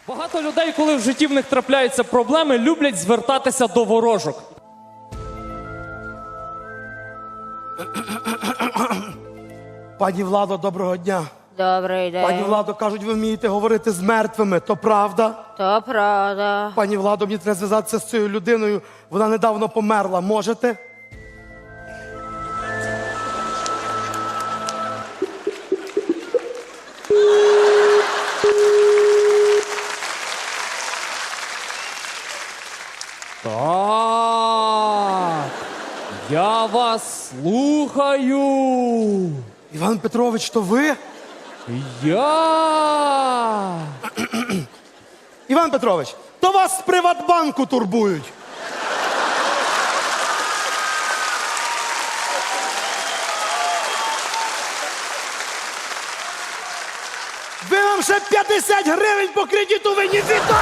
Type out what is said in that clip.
Багато людей, коли в житті в них трапляються проблеми, люблять звертатися до ворожок. Пані Владо, доброго дня. Добрий день. Пані Владо, кажуть, ви вмієте говорити з мертвими, то правда? То правда. Пані Владо, мені треба зв'язатися з цією людиною, вона недавно померла, можете? Так, я вас слухаю. Іван Петрович, то ви? Я. Іван Петрович, то вас з Приватбанку турбують. Ви вам ще 50 гривень по кредиту винні, віддайте!